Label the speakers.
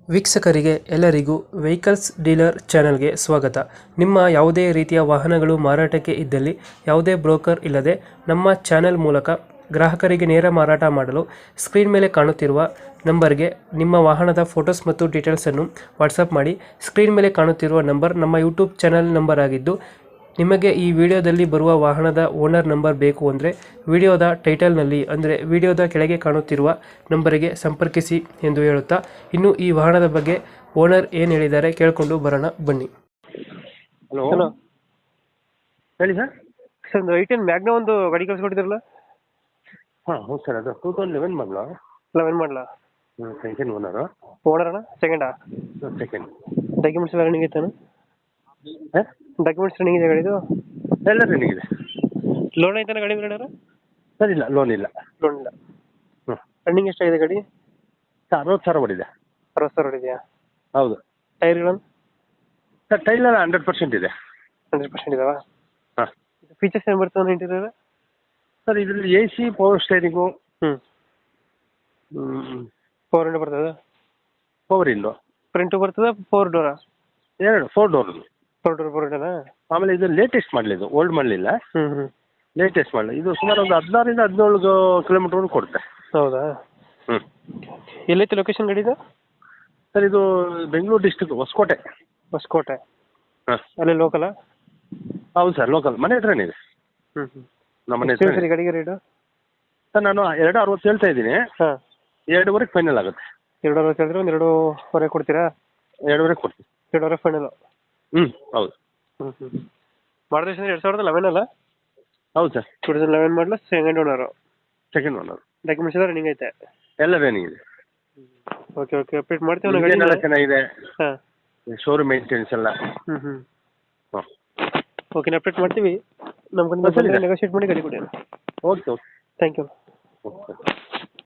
Speaker 1: ವೀಕ್ಷಕರಿಗೆ ಎಲ್ಲರಿಗೂ vehicles dealer ಚಾನೆಲ್ಗೆ ಸ್ವಾಗತ. ನಿಮ್ಮ ಯಾವುದೇ ರೀತಿಯ ವಾಹನಗಳು ಮಾರಾಟಕ್ಕೆ ಇದ್ದಲ್ಲಿ ಯಾವುದೇ ಬ್ರೋಕರ್ ಇಲ್ಲದೆ ನಮ್ಮ ಚಾನೆಲ್ ಮೂಲಕ ಗ್ರಾಹಕರಿಗೆ ನೇರ ಮಾರಾಟ ಮಾಡಲು ಸ್ಕ್ರೀನ್ ಮೇಲೆ ಕಾಣುತ್ತಿರುವ ನಂಬರ್ಗೆ ನಿಮ್ಮ ವಾಹನದ ಫೋಟೋಸ್ ಮತ್ತು ಡೀಟೇಲ್ಸನ್ನು ವಾಟ್ಸಪ್ ಮಾಡಿ. ಸ್ಕ್ರೀನ್ ಮೇಲೆ ಕಾಣುತ್ತಿರುವ ನಂಬರ್ ನಮ್ಮ ಯೂಟ್ಯೂಬ್ ಚಾನೆಲ್ ನಂಬರ್ ಆಗಿದ್ದು, ನಿಮಗೆ ಈ ವಿಡಿಯೋದಲ್ಲಿ ಬರುವ ವಾಹನದ ಓನರ್ ನಂಬರ್ ಬೇಕು ಅಂದರೆ ವಿಡಿಯೋದ ಟೈಟಲ್ನಲ್ಲಿ ಅಂದರೆ ವಿಡಿಯೋದ ಕೆಳಗೆ ಕಾಣುತ್ತಿರುವ ನಂಬರಿಗೆ ಸಂಪರ್ಕಿಸಿ ಎಂದು ಹೇಳುತ್ತಾ, ಇನ್ನು ಈ ವಾಹನದ ಬಗ್ಗೆ ಓನರ್ ಏನು ಹೇಳಿದ್ದಾರೆ ಕೇಳಿಕೊಂಡು ಬರೋಣ ಬನ್ನಿ.
Speaker 2: ಹಲೋ
Speaker 1: ಹಲೋ
Speaker 2: ಹೇಳಿ ಸರ್.
Speaker 1: ಸರ್, ಒಂದು ಐಟೆನ್ ಮ್ಯಾಗ್ನ ಒಂದು ಗಾಡಿ ಕಳಿಸ್ಕೊಟ್ಟಿದ್ರಲ್ಲ,
Speaker 2: ಹಾಂ ಹೌದು ಸರ್, ಅದು 2011 ಮಾಡಲ.
Speaker 1: 11 ಮಾಡಲ.
Speaker 2: Second owner.
Speaker 1: ಓನರ್ ಅಣ್ಣ? ಸೆಕೆಂಡಾ?
Speaker 2: ಸೆಕೆಂಡ್.
Speaker 1: ಡಾಕ್ಯುಮೆಂಟ್ಸ್ ಎಲ್ಲ ರನ್ನಿಂಗ್ ಐತಾನ?
Speaker 2: ಹಾಂ,
Speaker 1: ಡಾಕ್ಯುಮೆಂಟ್ಸ್ ರನ್ನಿಂಗ್ ಇದೆ ಗಾಡಿದು?
Speaker 2: ಎಲ್ಲ ರನ್ನಿಂಗ್ ಇದೆ.
Speaker 1: ಲೋನ್ ಐತಾನ ಗಾಡಿ ಮೇಲೆ?
Speaker 2: ಸರ್ ಇಲ್ಲ, ಲೋನ್ ಇಲ್ಲ.
Speaker 1: ಲೋನ್ ಇಲ್ಲ.
Speaker 2: ಹ್ಞೂ.
Speaker 1: ರನ್ನಿಂಗ್ ಎಷ್ಟಾಗಿದೆ ಗಾಡಿ?
Speaker 2: ಸರ್ 60,000 ಓಡಿದೆ.
Speaker 1: 60,000 ಹೊಡಿದೆಯಾ?
Speaker 2: ಹೌದು
Speaker 1: ಟೈರ್ಗಳನ್ನು?
Speaker 2: ಸರ್ ಟೈಲೆಲ್ಲ 100% ಇದೆ.
Speaker 1: 100% ಇದಾವ?
Speaker 2: ಹಾಂ.
Speaker 1: ಫೀಚರ್ಸ್ ಏನು ಬರ್ತದೆ ಇಂಟೀರಿಯರ್?
Speaker 2: ಸರ್ ಇದರಲ್ಲಿ AC, ಪವರ್ ಸ್ಟೇರಿಂಗು,
Speaker 1: ಹ್ಞೂ. ಪವರ್ ವಿಂಡೋ ಬರ್ತದೆ?
Speaker 2: Power window.
Speaker 1: ಫ್ರಂಟು ಬರ್ತದೆ? ಪವರ್ ಡೋರಾ?
Speaker 2: 4 ಡೋರ್.
Speaker 1: ಪವರ್ ವಿಂಡೋನಾ?
Speaker 2: ಆಮೇಲೆ ಇದು ಲೇಟೆಸ್ಟ್ ಮಾಡಲಿದ್ದು, ಓಲ್ಡ್ ಮಾಡಲಿಲ್ಲ,
Speaker 1: ಹ್ಞೂ.
Speaker 2: ಲೇಟೆಸ್ಟ್ ಮಾಡಲಿ. ಇದು ಸುಮಾರು ಒಂದು 16ರಿಂದ 17 ಕಿಲೋಮೀಟರ್ವರೆಗೂ ಕೊಡುತ್ತೆ.
Speaker 1: ಹೌದಾ?
Speaker 2: ಹ್ಞೂ.
Speaker 1: ಎಲ್ಲೈತೆ ಲೊಕೇಶನ್ ಗಾಡಿದು?
Speaker 2: ಸರ್ ಇದು ಬೆಂಗಳೂರು ಡಿಸ್ಟ್ರಿಕ್ಟ್ ಹೊಸಕೋಟೆ.
Speaker 1: ಹೊಸಕೋಟೆ?
Speaker 2: ಹಾಂ.
Speaker 1: ಅಲ್ಲೇ ಲೋಕಲಾ?
Speaker 2: ಹೌದು ಸರ್, ಲೋಕಲ್. ಮನೆ ಹತ್ರನೇ ಇದೆ.
Speaker 1: ಹ್ಞೂ.
Speaker 2: ನಮ್ಮ ಮನೆ
Speaker 1: ಎಷ್ಟು
Speaker 2: ಹತ್ರ.
Speaker 1: ಸರಿ ಗಾಡಿಗೆ ರೇಟು?
Speaker 2: ಸರ್ ನಾನು 2.60 ಹೇಳ್ತಾ ಇದ್ದೀನಿ.
Speaker 1: ಹಾಂ.
Speaker 2: 2.5 ಫೈನಲ್ ಆಗುತ್ತೆ.
Speaker 1: 2.60 ಹೇಳಿದ್ರೆ ಒಂದು 2.25 ಕೊಡ್ತೀರಾ?
Speaker 2: 2.5 ಕೊಡ್ತೀನಿ.
Speaker 1: 2.5 ಫೈನಲು?
Speaker 2: ಹ್ಞೂ ಹೌದು.
Speaker 1: ಹ್ಞೂ. ಮಾಡಲ್ ಎಷ್ಟು? 2011 ಅಲ್ಲ?
Speaker 2: ಹೌದು ಸರ್.
Speaker 1: 2011 ಮಾಡಲ, second owner.
Speaker 2: Second owner.
Speaker 1: Documents ಎಲ್ಲ ರನ್ನಿಂಗ್ ಐತೆ?
Speaker 2: ಎಲ್ಲ ರನ್ನಿಂಗ್ ಇದೆ.
Speaker 1: ಓಕೆ ಅಪ್ಡೇಟ್ ಮಾಡ್ತೀವಿ ನಾವು
Speaker 2: ಇಂಜಿನ್ ಎಲ್ಲ
Speaker 1: ಗಾಡಿ.
Speaker 2: ಚೆನ್ನಾಗಿದೆ.
Speaker 1: ಹಾಂ.
Speaker 2: ಶೋರೂಮ್ ಮೇಂಟೆನೆನ್ಸ್ ಎಲ್ಲ.
Speaker 1: ಹ್ಞೂ.
Speaker 2: ಹಾಂ.
Speaker 1: ಓಕೆ, ಅಪ್ಡೇಟ್ ಮಾಡ್ತೀವಿ. ನಮ್ಮ ಕಡೆಯಿಂದ
Speaker 2: ಸರಿ
Speaker 1: ಬಂದರೆ
Speaker 2: ಸರ್.
Speaker 1: ನೆಗೋಷಿಯೇಟ್ ಮಾಡಿ ಗಾಡಿ ಕೊಡಿ.
Speaker 2: Okay okay.
Speaker 1: Thank you.
Speaker 2: Okay.